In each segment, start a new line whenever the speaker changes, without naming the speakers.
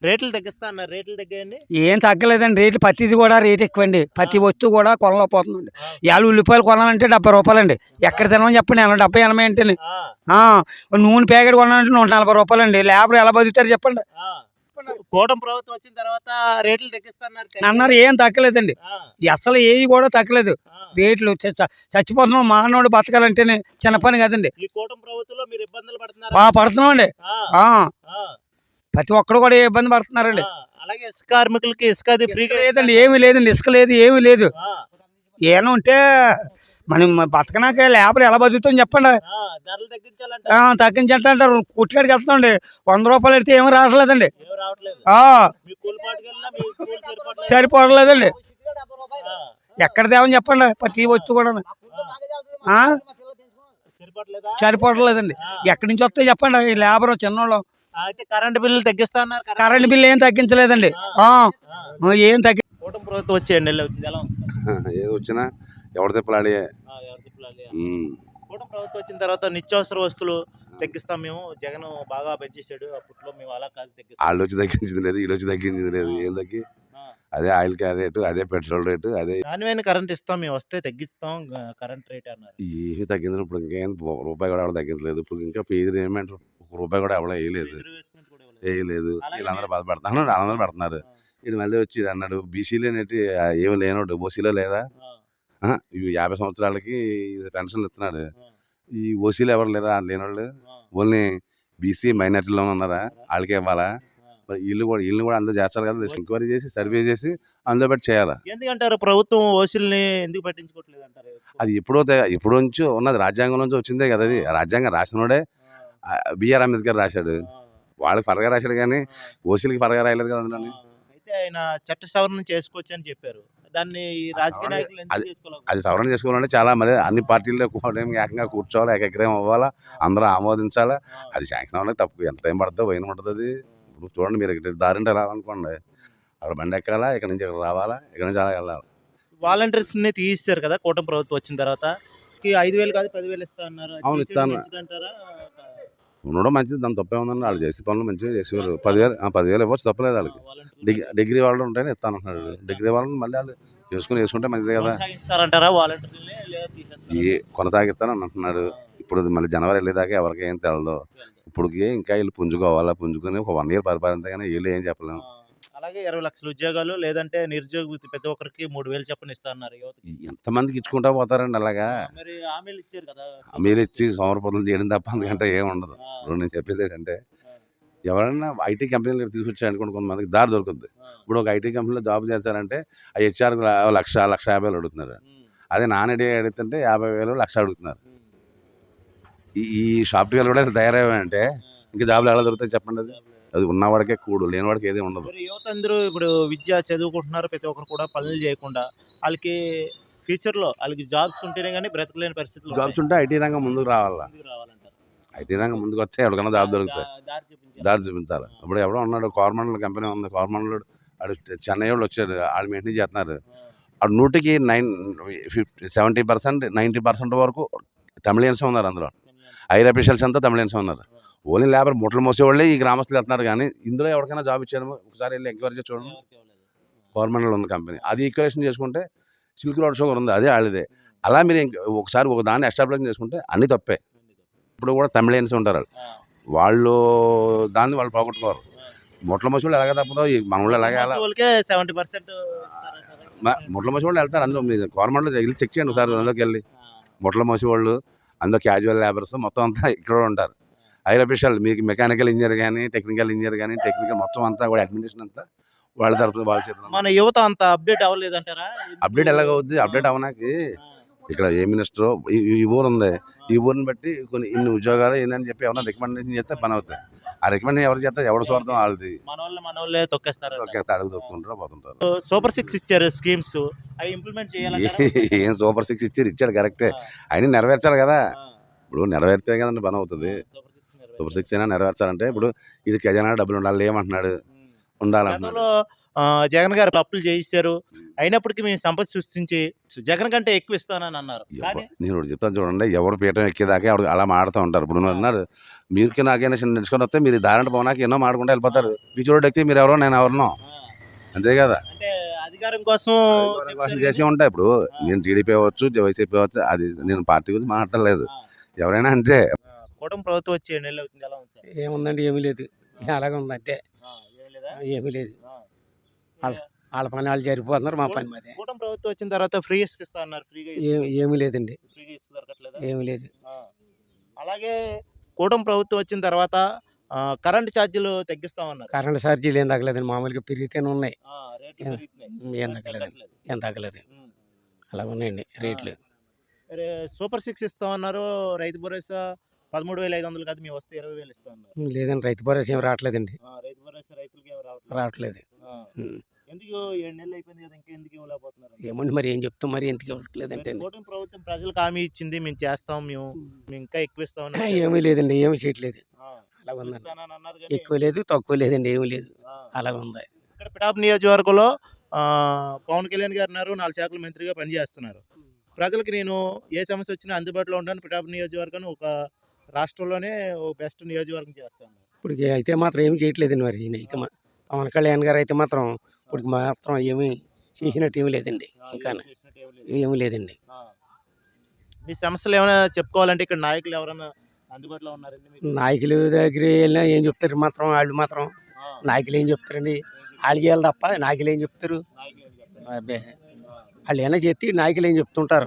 రేట్లు తగ్గిస్తా అన్నారు. రేట్లు తగ్గాయండి?
ఏం తగ్గలేదండి. రేట్లు ప్రతిది కూడా రేట్ ఎక్కువండి. ప్రతి వస్తువు కూడా కొనలేకపోతుందండి. ఇవాళ ఉల్లిపాయలు కొనాలంటే రూ. 70 ఎక్కడ తినమని చెప్పండి. 70, 80 అంటేనే.
ఆ!
నూనె ప్యాకెట్ కొనాలంటే రూ. 140 లేబర్ ఎలా బతుకుతారు చెప్పండి.
ఆ! కూటమి ప్రభుత్వం వచ్చిన తర్వాత రేట్లు తగ్గిస్తా అన్నారు.
అన్నారు, ఏం తగ్గలేదండి.
ఆ!
అసలు ఏవి కూడా తగ్గలేదు.
ఆ!
రేట్లు చచ్చిపోతున్నాం. మానవుడు బతకాలంటేనే చిన్న పని కదండి.
ఈ కూటమి ప్రభుత్వంలో మీరు ఇబ్బందులు పడుతున్నారా?
పడుతున్నామండి.
ఆ! ఆ!
ప్రతి ఒక్కరు కూడా ఏ ఇబ్బంది పడుతున్నారండి.
ఆ! అలాగే ఇసుక కార్మికులకి ఇసుక అది ఫ్రీగా
లేదండి, ఏమీ లేదండి. ఇసుక లేదు, ఏమీ లేదు.
ఆ!
ఏమైనా ఉంటే మనం బతకనాక లేబర్ ఎలా బతుకుతాం చెప్పండి.
ఆ! ధరలు తగ్గించాలంట.
తగ్గించంటారు. కుట్టుకాడికి వెళ్తామండి, రూ. 100 పెడితే ఏమీ రావట్లేదండి.
ఏం రావట్లేదు. మీ కూలిపాటుకెళ్ళినా మీ కూలి సరిపోవట్లేదు.
సరిపోవట్లేదండి.
ఆ!
ఎక్కడ తేవని చెప్పండి ప్రతి వస్తువు కూడా.
సరిపోవట్లేదా?
సరిపోవట్లేదండి.
ఆ!
ఎక్కడి నుంచి వస్తాయి చెప్పండి ఈ లేబర్ చిన్నోళ్ళు.
అయితే కరెంట్ బిల్లులు తగ్గిస్తా అన్నారు.
కరెంట్ బిల్లు ఏం తగ్గించలేదండి. ఏం తగ్గి
కూటమి ప్రభుత్వం వచ్చి 2 నెలలు అవుతుంది. ఎలా ఉంది సార్?
ఏది వచ్చినా ఎవరి తిప్పలాడే.
ఎవరు తిప్పలాలి? కూటమి ప్రభుత్వం వచ్చిన తర్వాత నిత్యావసర వస్తువులు తగ్గిస్తాం మేము. జగన్ బాగా పెంచేసాడు. అప్పట్లో మేము అలా కాదు తగ్గిస్తాం.
వాళ్ళు వచ్చి తగ్గించింది లేదు, వీళ్ళు వచ్చి తగ్గించింది లేదు. ఏం తగ్గి అదే ఆయిల్ రేటు, అదే పెట్రోల్ రేటు, అదే
నాణ్యమైన కరెంట్ ఇస్తాం మేము, వస్తే తగ్గిస్తాం కరెంట్ రేట్ అన్నారు.
ఏమి తగ్గింది. ఇప్పుడు ఇంకేం రూపాయి కూడా ఎవరు తగ్గించలేదు. ఇప్పుడు ఇంకా ఫీజు ఏమంటారు, ₹1 కూడా ఎవరు వేయలేదు.
రిజర్వేషన్ కూడా ఇవ్వలేదు.
వేయలేదు.
అలాగే
వీళ్ళందరూ బాధపడుతున్నారు, వాళ్ళందరూ పడుతున్నారు. వీడు మళ్ళీ వచ్చి అన్నాడు బీసీలో ఏంటి ఏమి లేనోడు ఓసీలో లేదా, ఇవి 50 సంవత్సరాలకి పెన్షన్లు ఇస్తున్నాడు. ఈ ఓసీలో ఎవరు లేరా లేనోళ్ళు, ఓన్లీ బీసీ మైనార్టీలో ఉన్నారా, వాళ్ళకే ఇవ్వాలా. మరి వీళ్ళు కూడా అందరూ చేస్తారు కదా, ఎంక్వైరీ చేసి సర్వే చేసి అందులో పెట్టి చేయాలి.
ఎందుకంటారు ప్రభుత్వం ఓసీలని ఎందుకు పట్టించుకోవట్లేదు అంటారు?
అది ఎప్పుడో నుంచి ఉన్నది, రాజ్యాంగం నుంచి వచ్చిందే కదా. అది రాజ్యాంగం రాసినోడే బిఆర్ అంబేద్కర్ రాశాడు. వాళ్ళకి ఫరగా రాశాడు కానీ ఓసీలకి ఫరగా రాయలేదు కదా అందులో.
అయితే ఆయన చట్ట సవరణ చేసుకోవచ్చు అని చెప్పారు. దాన్ని ఈ రాజకీయ నాయకులు ఎందుకు చేసుకోలేదు?
అది సవరణ చేసుకోవాలంటే చాలా మళ్ళీ అన్ని పార్టీల్లో ఏకంగా కూర్చోవాలి, ఏకగ్రహం అవ్వాలా, అందరూ ఆమోదించాలా. అది శాంక్షన్ అవ్వడానికి తప్పు ఎంత టైం పడుతుందో పోయిన ఉంటుంది. అది ఇప్పుడు చూడండి, మీరు దారింటే రావాలనుకోండి, అక్కడ బండి ఎక్కాలా, ఇక్కడ నుంచి ఇక్కడ రావాలా, ఇక్కడ నుంచి అలా వెళ్ళాలి.
వాలంటీర్స్ ని తీయిస్తారు కదా కూటమి ప్రభుత్వం వచ్చిన తర్వాత. 5,000 కాదు 10,000 ఇస్తా అన్నారు.
అవును, ఇస్తాను. ఉండడం మంచిది, దాని తప్పే ఉందండి. వాళ్ళు చేసే పనులు మంచిగా చేసేవారు. 10,000 ఇవ్వచ్చు, తప్పలేదు. వాళ్ళకి డిగ్రీ వాళ్ళు ఉంటేనే ఇస్తాను అంటున్నాడు. డిగ్రీ వాళ్ళని మళ్ళీ వాళ్ళు వేసుకుంటే మంచిదే కదా. కొనసాగిస్తానని అంటున్నాడు. ఇప్పుడు మళ్ళీ జనవరి వెళ్ళేదాకా ఎవరికి ఏం తెలదు. ఇప్పటికి ఇంకా వీళ్ళు పుంజుకొని ఒక 1 ఇయర్ పరిపాలన కానీ వీళ్ళు ఏం చెప్పలేము.
అలాగే 20 లక్షల ఉద్యోగాలు, లేదంటే నిరుద్యోగ వృత్తి ప్రతి ఒక్కరికి 3,000 చెప్పని ఇస్తా అన్నారు.
ఎంతమందికి ఇచ్చుకుంటా పోతారండి అలాగా.
మరి హామీలు ఇచ్చారు కదా,
హామీలు ఇచ్చి సోమరపతులు చేయడం తప్ప అందుకంటే ఏం ఉండదు. ఇప్పుడు నేను చెప్పేది ఏంటంటే, ఎవరైనా ఐటీ కంపెనీలు తీసుకొచ్చారు అనుకోండి, కొంతమందికి దారి దొరుకుతుంది. ఇప్పుడు ఒక ఐటీ కంపెనీలో జాబ్ చేస్తారంటే ఆ హెచ్ఆర్ 1,50,000 అడుగుతున్నారు. అదే నాన్ ఐటీ అడుగుతుంటే 50,000, 1,00,000 అడుగుతున్నారు. ఈ సాఫ్ట్వేర్ కూడా తయారయ్యాయంటే ఇంకా జాబ్లు ఎలా దొరుకుతాయి చెప్పండి. అది ఉన్నవాడికే కూడు, లేనివాడికి ఏది ఉండదు.
యువత అందరూ ఇప్పుడు విద్య చదువుకుంటున్నారు. ప్రతి ఒక్కరు కూడా పనులు చేయకుండా వాళ్ళకి ఫ్యూచర్లో వాళ్ళకి జాబ్స్ ఉంటేనే కానీ బ్రతకలేని పరిస్థితులు.
జాబ్స్ ఉంటే ఐటీ రంగం ముందుకు రావాలంటారు. ఐటీ రంగం ముందుకు వస్తే ఎవరికైనా జాబ్ దొరుకుతాయి. దారి చూపించాలి. ఇప్పుడు ఎవడో ఉన్నాడు, కార్మండల్ కంపెనీ ఉంది, కార్మండల్ వాడు చెన్నై వాళ్ళు వచ్చారు, వాళ్ళు మెయింటైన్ చేస్తున్నారు. వాడు 100కి 70%, 90% వరకు తమిళియన్స్ ఉన్నారు. అందులో హైర్ అఫీషియల్స్ అంతా తమిళియన్స్ ఉన్నారు. ఓన్లీ లేబర్ ముట్టలు మోసేవాళ్ళే ఈ గ్రామస్తులు వెళ్తున్నారు. కానీ ఇందులో ఎవరికైనా జాబ్ ఇచ్చారు ఒకసారి వెళ్ళి ఎంక్వైరీ చేసి చూడండి. గవర్నమెంట్లో ఉంది కంపెనీ, అది ఈక్వరేషన్ చేసుకుంటే సిల్క్ రోడ్ షుగర్ ఉంది, అదే వాళ్ళదే. అలా మీరు ఒకసారి ఒక దాన్ని ఎస్టాబ్లిష్ చేసుకుంటే అన్ని తప్పే. ఇప్పుడు కూడా తమిళియన్స్ ఉంటారు, వాళ్ళు దాన్ని వాళ్ళు పోగొట్టుకోరు. ముట్ల మోసేవాళ్ళు ఎలాగే తప్పదో మన వాళ్ళు ఎలాగే
70%
ముట్ల మోసేవాళ్ళు వెళ్తారు. అందులో మీరు గవర్నమెంట్లో వెళ్ళి చెక్ చేయండి ఒకసారి. అందులోకి వెళ్ళి ముట్ల మోసేవాళ్ళు, అందులో క్యాజువల్ లేబర్స్ మొత్తం అంతా ఇక్కడ ఉంటారు. హైర్ అఫీషియల్ మీకు మెకానికల్ ఇంజనీర్ కానీ, టెక్నికల్ ఇంజనీర్ కానీ, టెక్నికల్ మొత్తం అంతా కూడా అడ్మినిస్ట్రేషన్ అంతా వాళ్ళ తరఫున వాళ్ళ చేతులు.
మన యువత అంత అప్డేట్ అవ్వలేదంటారా?
అప్డేట్ ఎలాగవుద్ది? అప్డేట్ అవ్వడానికి ఇక్కడ ఏ మినిస్టర్ ఈ ఊరు ఉంది, ఈ ఊరిని బట్టి కొన్ని ఇన్ని ఉద్యోగాలు ఏందని చెప్పి ఏమైనా రికమెండేషన్ చేస్తే పని అవుతాయి. ఆ రికమెండేషన్ ఎవరు చేస్తారు? ఎవరు స్వార్థం వాళ్ళది.
మన వాళ్ళే తొక్కేస్తారు,
అడుగు తొక్కుతుంటారు, పోతుంటారు.
సూపర్ 6 ఇచ్చారు స్కీమ్స్, అవి ఇంప్లిమెంట్ చేయాలి.
ఏం సూపర్ 6 ఇచ్చాడు కరెక్టే, అయినా నెరవేర్చాలి కదా. ఇప్పుడు నెరవేర్తే కదండి పని అవుతుంది. సూపర్ 6 అయినా నెరవేర్చాలంటే ఇప్పుడు ఇది ఖజానా డబ్బులు ఉండాలి ఏమంటున్నాడు. ఉండాలంటున్నారు.
గతంలో జగన్ గారు అప్పులు చేయిస్తారు. అయినప్పటికీ మేము సంపద సృష్టించి జగన్ కంటే ఎక్కువ ఇస్తానని అన్నారు. కానీ
నేను ఒకటి చెప్తాను చూడండి, ఎవరు పీఠం ఎక్కేదాకా ఎవరు అలా మాడుతూ ఉంటారు. ఇప్పుడు అన్నారు మీరు నాకైనా నడుచుకొని వస్తే మీరు దారంట పోనాక ఎన్నో మాడుకుంటూ వెళ్ళిపోతారు. మీ చోటు ఎక్కితే మీరు ఎవరో నేను ఎవరినో, అంతే కదా.
అంటే అధికారం కోసం చెప్తారు
చేసి
కానీ,
ఉంటాయి. ఇప్పుడు నేను టీడీపీ అవ్వచ్చు, వైసీపీ అవ్వచ్చు, అది నేను పార్టీ గురించి మాట్లాడలేదు.
ఆ,
ఎవరైనా అంతే.
కూటమి ప్రభుత్వం వచ్చి 7 నెలలు అవుతుంది. ఎలా ఉంది సార్?
ఏముందండి, ఏమీ లేదు, అలాగే ఉంది అంతే,
ఏం లేదా?
ఏమీ లేదు.
ఆ.
వాళ్ళ పని వాళ్ళు జరిగిపోతున్నారు, మా పని మాదే.
కూటమి ప్రభుత్వం వచ్చిన తర్వాత ఫ్రీ ఇసుక ఇస్తా అన్నారు. ఫ్రీగా
ఏమీ లేదండి,
ఫ్రీగా ఇసుక దొరకట్లేదా?
ఏమీ లేదు.
ఆ. అలాగే కూటమి ప్రభుత్వం వచ్చిన తర్వాత కరెంట్ ఛార్జీలు తగ్గిస్తామన్నారు.
కరెంట్ ఛార్జీలు ఏం తగ్గలేదండి, మామూలుగా పెరిగితేనే ఉన్నాయి,
రేట్లు పెరుగుతున్నాయి.
ఏం తగ్గలేదు, ఏం తగ్గలేదు,
ఉమ్.
అలా ఉన్నాయండి రేట్లు.
మరి సూపర్ 6 ఇస్తామన్నారు. రైతు భరోసా 13,500 కాదు, మేము వస్తే 20,000 ఇస్తామన్నారు.
లేదండి, రైతు భరోసా ఏం రావట్లేదండి,
రైతు భరోసా రైతులకి ఏమి
రావట్లేదు.
ఆ. ఎందుకు 7 నెలలు అయిపోయింది కదా, ఇంకా ఎందుకు ఇవ్వలేకపోతున్నారు?
ఏమండి మరి ఏం చెప్తాం, మరి ఎందుకు ఇవ్వట్లేదంటే
కూటమి ప్రభుత్వం ప్రజలకు హామీ ఇచ్చింది, మేము చేస్తాం, మేము ఇంకా ఎక్కువ ఇస్తాం
ఏమీ లేదండి, ఏమీ చేయట్లేదు, అలా ఉందండి.
అన్నారు కానీ,
ఎక్కువ లేదు, తక్కువ లేదండి, ఏమీ లేదు, అలా ఉంది.
ఇక్కడ పిఠాపు నియోజకవర్గంలో పవన్ కళ్యాణ్ గారు ఉన్నారు, 4 శాఖల మంత్రిగా పనిచేస్తున్నారు. ప్రజలకు నేను ఏ సమస్య వచ్చినా అందుబాటులో ఉంటాను. పిఠాపు నియోజకవర్గాన్ని ఒక రాష్ట్రంలోనే బెస్ట్ నియోజకవర్గం చేస్తాను.
ఇప్పుడు అయితే మాత్రం ఏమి చేయట్లేదండి, మరి ఈయన అయితే పవన్ కళ్యాణ్ గారు అయితే మాత్రం ఇప్పుడు మాత్రం ఏమీ చేసినట్టు ఏమీ లేదండి, ఇంకా ఏమీ లేదండి.
మీ సమస్యలు ఏమైనా చెప్పుకోవాలంటే ఇక్కడ నాయకులు ఎవరైనా అందుబాటులో ఉన్నారండి మీకు?
నాయకుల దగ్గర వెళ్ళినా ఏం చెప్తారు, మాత్రం వాళ్ళు మాత్రం నాయకులు ఏం చెప్తారండి, వాళ్ళు చేయాలి తప్ప నాయకులు ఏం చెప్తారు, అబ్బే వాళ్ళు ఏమైనా చెప్తే నాయకులు ఏం చెప్తుంటారు,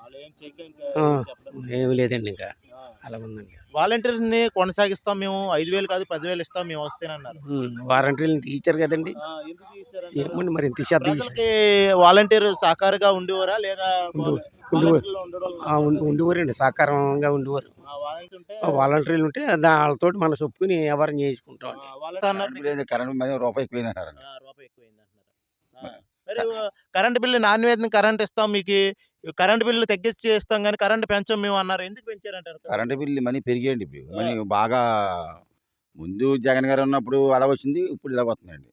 ఏమి లేదండి, ఇంకా అలా ఉందండి.
వాలంటీర్ని కొనసాగిస్తాం, మేము 5,000 కాదు 10,000 ఇస్తాం, మేము వస్తేనన్నారు.
వారంటీలు తీర్చారు కదండి,
ఎందుకు తీశారంటారు?
ఏమండి మరి ఇంత శ్రద్ధ
ప్రజలకి వాలంటీర్ సహకారంగా ఉండేవారా లేదా?
ఉండేవారండి, సహకారంగా ఉండేవారు. వాలంటీర్లు ఉంటే వాళ్ళతో మనం చెప్పుకుని ఎవరిని చేసుకుంటాం.
రూపాయి ఎక్కువైంది అంటారు.
మరి కరెంట్ బిల్లు నాణ్యమైన కరెంట్ ఇస్తాం, మీకు కరెంట్ బిల్లు తగ్గించి ఇస్తాం కానీ కరెంట్ పెంచాం మేము అన్నారు. ఎందుకు పెంచారంటారు?
కరెంట్ బిల్లు మనీ పెరిగాయండి. ఇప్పుడు మనీ బాగా ముందు జగన్ గారు ఉన్నప్పుడు అలా వచ్చింది, ఇప్పుడు ఇలా వస్తుందండి.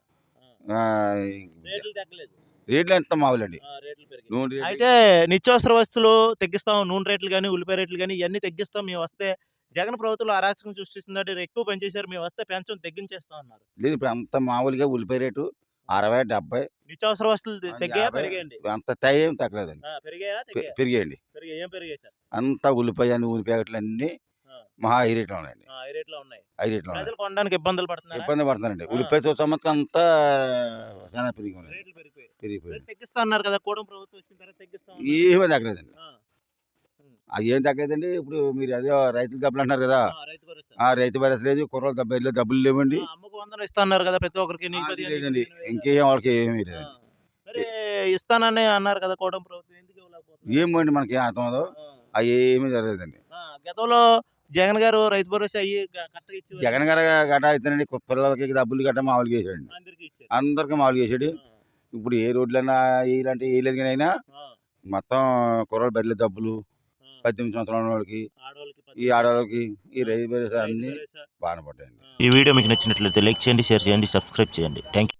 రేట్లు తగ్గలేదు,
రేట్లు ఎంత మామూలండి.
రేట్లు పెరిగాయి.
నూనె రేట్లు
అయితే నిత్యావసర వస్తువులు తగ్గిస్తాం, నూనె రేట్లు కానీ ఉల్లిపాయ రేట్లు కానీ ఇవన్నీ తగ్గిస్తాం, మేము వస్తే జగన్ ప్రభుత్వంలో అరాచకం సృష్టిస్తుందంటే ఎక్కువ పెంచేశారు, మేము వస్తే పెంచం తగ్గించేస్తాం అన్నారు.
లేదు. ఇప్పుడు అంత మామూలుగా ఉల్లిపాయ రేటు 60, 70,
నిత్యావసర వస్తువులు తగ్గాయా
50,
పెరిగాయండి?
అంత తగ్గేం తగ్గలేదండి,
పెరిగాయా తగ్గాయా?
పెరిగాయండి.
పెరిగాయి. ఏం పెరిగాయి సార్?
అంతా ఉల్లిపాయ నూనె ప్యాకెట్లు అన్నీ మహా హై రేట్లో ఉన్నాయండి.
హై రేట్లో ఉన్నాయి.
హై రేట్లో ఉన్నాయి.
ప్రజలు కొనడానికి ఇబ్బందులు పడుతున్నారు.
ఇబ్బంది పడుతున్నారండి. ఉల్లిపాయ సంవత్సరం అంతా చాలా పెరిగిపోయింది.
రేట్లు పెరిగిపోయాయి.
పెరిగిపోయింది.
తగ్గిస్తా అన్నారు కదా, కూటమి ప్రభుత్వం వచ్చిన తర్వాత తగ్గిస్తాం.
ఏమీ తగ్గలేదండి. అది ఏం తగ్గలేదండి. ఇప్పుడు మీరు అదే రైతులు డబ్బులు అంటున్నారు కదా,
రైతు భరోసా,
ఆ రైతు భరోసా లేదు, కుర్రోళ్ళు డబ్బులు లేవండి.
అమ్మకు 100 ఇస్తా అన్నారు కదా ప్రతి ఒక్కరికి, నీకు 15
లేదండి,
నీకు 20
ఇంకేం వాళ్ళకి ఏమీ లేదండి.
మరి ఇస్తానని అన్నారు కదా కూటమి ప్రభుత్వం, ఎందుకు ఇవ్వలేకపోతున్నారు?
ఏమండి మనకి ఏం అర్థం అదో, అవి ఏమీ జరగలేదండి.
గతంలో జగన్ గారు రైతు భరోసా అయ్యి కరెక్ట్గా ఇచ్చి
జగన్ గారు గట్ట అయితేనండి పిల్లలకి డబ్బులు గట్ట మామూలుగా వేసాడు,
అందరికీ ఇచ్చారు.
అందరికి మామూలుగా వేసాడు. ఇప్పుడు ఏ రోడ్లన్నా ఇలాంటి వేయలేదు, కానీ అయినా మొత్తం కుర్రోళ్ళు బదిలీ డబ్బులు 18 సంవత్సరాల వాళ్ళకి, ఈ ఆడవాళ్ళకి ఈ రైతు భరోసా అన్ని బాగానే పడ్డాయండి.
ఈ వీడియో మీకు నచ్చినట్లయితే లైక్ చేయండి, షేర్ చేయండి, సబ్స్క్రైబ్ చేయండి. Thank you.